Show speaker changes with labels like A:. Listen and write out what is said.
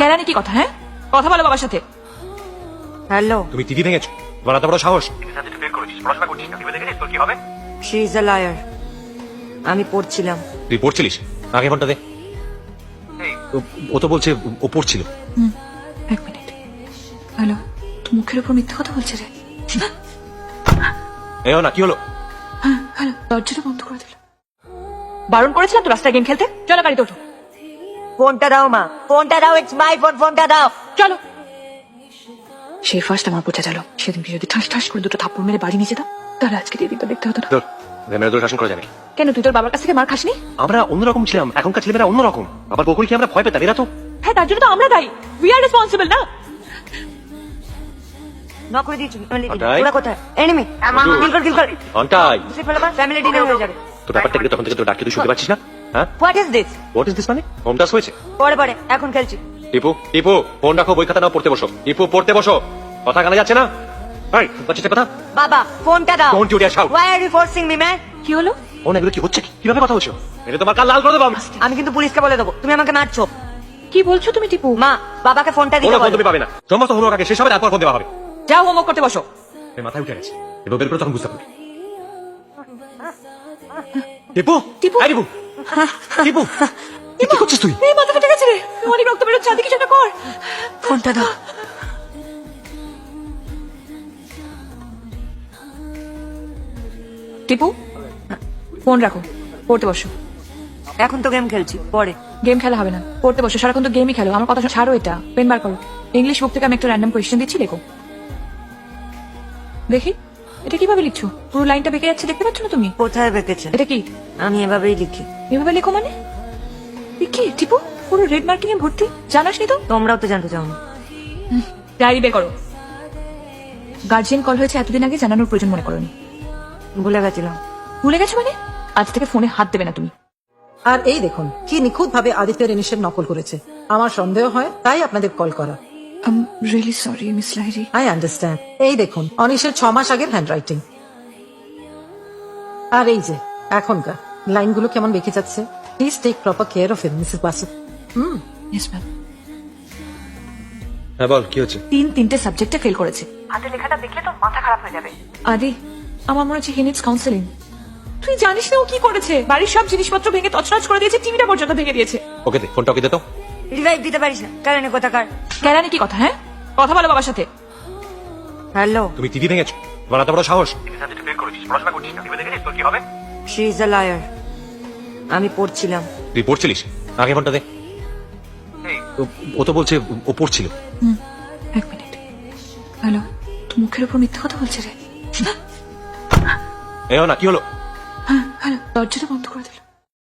A: কেরানি কি কথা? হ্যাঁ, কথা বলো বাবার সাথে।
B: হ্যালো,
C: তুমি টিভি ভেঙেছো, তোমার এত বড় সাহস।
B: She is a liar. আমি পড়ছিলাম।
C: তুই পড়ছিলিস? আগে ফোনটা দে। ও তো বলছে ও পড়ছিল।
A: এক মিনিট। হ্যালো, তো মুখের উপর মিথ্যা কথা বলছে রে।
C: এও না, কি হলো?
A: হ্যাঁ, হ্যালো, দরজাটা বন্ধ করে দিল। বারণ করেছিলাম তো রাস্তায় গেম খেলতে। চলো গাড়িতে ওঠো।
B: ফোনটা দাও মা, ফোনটা দাও, ইটস মাই ফোন, ফোনটা দাও।
A: চলো। সে ফার্স্ট আমার বোঝা গেল, সেদিনকে যদি ঠাস ঠাস করে দুটো থাপ্পড় মেরে বাড়ি নিয়ে যেতাম, তাহলে আজকে এই দিকটা দেখতে হতো না।
C: তোর মেয়েরা তোর শাসন করা যাবে।
A: কেন, তুই তোর বাবার কাছ থেকে মার খাসনি?
C: আমরা অন্যরকম ছিলাম, এখনকার ছেলেমেয়েরা অন্যরকম। আবার বকুল কি আমরা ভয় পেতাম? এরা তো
A: হ্যাঁ, তার জন্য তো আমরা দায়ী। উই আর রেসপন্সিবল না?
B: নক করে দিয়েছি।
C: ওটাই।
B: ওরা কোথায়? এনিমি। কিল কর।
C: ঘন্টায়
B: বুঝতে পারলাম, ফ্যামিলি ডিনার হয়ে যাবে।
C: তোর ব্যাপারটা কি তখন থেকে তোর ডাকতে তুই শুনতে পাচ্ছিস না? হ্যাঁ,
B: what is this?
C: What is this মানে? হোম টাস্ক হয়েছে?
B: পরে পরে, এখন খেলছি।
C: টিপু টিপু ফোন রাখো, বই খাতা নাও, পড়তে বসো। টিপু পড়তে বসো, কথা কানে যাচ্ছে না? এই বাচ্চাটা কথা।
B: বাবা, ফোনটা দাও।
C: Don't you dare shout.
B: Why are you forcing me, man?
A: কি হলো?
C: ফোন এগুলো কি হচ্ছে? কিভাবে কথা বলছো? এটা তোমার কাল লাল করে দেবো আমি।
B: আমি কিন্তু পুলিশকে বলে দেবো তুমি আমাকে মারছো।
A: কি বলছো তুমি টিপু?
B: মা, বাবাকে ফোনটা দিতে
C: কোনো ফোন
B: বলো।
C: তুমি পাবে না, সমস্ত হোমওয়ার্ক আগে শেষ হবে, তারপর ফোন দেওয়া হবে।
A: যাও, হোমওয়ার্ক করতে বসো।
C: এর মাথায় উঠে গেছে, এবার বের করে তখন বুঝতে পারবে। টিপু
A: টিপু।
C: এই টিপু টিপু এ কি করছিস তুই?
A: এই মাথা ফেটে গেছে রে, অনেক রক্ত বেরোচ্ছে, আদি কিছু একটা কর।
B: ফোনটা দাও।
A: টিপু, ফোন রাখো, পড়তে বসো।
B: এখন তো গেম খেলছি, পরে।
A: গেম খেলা হবে না, পড়তে বসো। সারাক্ষণ তো গেমই খেলো। আমার কথা ছাড়ো, এটা পেন বার করো। ইংলিশ বুক থেকে আমি একটা র্যান্ডম কোয়েশ্চেন দিচ্ছি, লেখো। দেখি, এটা কিভাবে লিখছো? পুরো লাইনটা বেঁকে যাচ্ছে, দেখতে পাচ্ছ না তুমি?
B: কোথায় বেঁকেছে?
A: এটা কি?
B: আমি এভাবেই লিখি।
A: এভাবে লেখো মানে? এ কি টিপু, পুরো রেড মার্কিং এ ভর্তি, জানাসনি তো?
B: তোমরাও তো জানতে চাও না।
A: ডায়েরি বের করো। গার্জিয়ান কল হয়েছে এতদিন আগে, জানানোর প্রয়োজন মনে করোনি?
B: ভুলে গেছিলাম।
A: ভুলে গেছো মানে? আজ থেকে ফোনে হাত দেবে না তুমি।
D: আর এই দেখুন কি নিখুঁত ভাবে আদিত্য রেনিশের নকল করেছে। আমার সন্দেহ হয়, তাই আপনাদের কল করা।
A: Really sorry Miss Lahiri.
D: I understand. এই দেখুন অনিশের 6 মাস আগের হ্যান্ড রাইটিং। আর এই যে এখনকার লাইনগুলো কেমন বেঁকে যাচ্ছে। Please take proper care of him, Mrs Basu.
A: Yes ma'am.
C: হ্যাঁ বল, কি হচ্ছে?
A: তিনটে সাবজেক্টে ফেল করেছে। হাতে লেখাটা দেখলে তো মাথা খারাপ হয়ে যাবে। আদি, আমার মনে হচ্ছে হি নিডস কাউন্সেলিং। তুই জানিস না ও কি করেছে? বাড়ির সব জিনিসপত্র ভেঙে তছনছ করে দিয়েছে, টিভিটা পর্যন্ত ভেঙে দিয়েছে।
C: ওকে দে ফোনটা, ওকে দে তো।
B: রিভাইভ দিতে পারিস না, কারণে কোথাকার।
A: কেরানি কি কথা? হ্যাঁ, কথা বলো বাবার সাথে।
B: হ্যালো,
C: তুমি টিভি ভেঙেছো, তোমার এত বড় সাহস।
B: She is a liar. আমি পড়ছিলাম।
C: তুই পড়ছিলিস? আগে ফোনটা দে। ও তো বলছে ও পড়ছিল।
A: এক মিনিট। হ্যালো, তো মুখের উপর মিথ্যা কথা বলছে রে।
C: এও না, কি হলো?
A: হ্যাঁ, হ্যালো, দরজাটা বন্ধ করে দিল।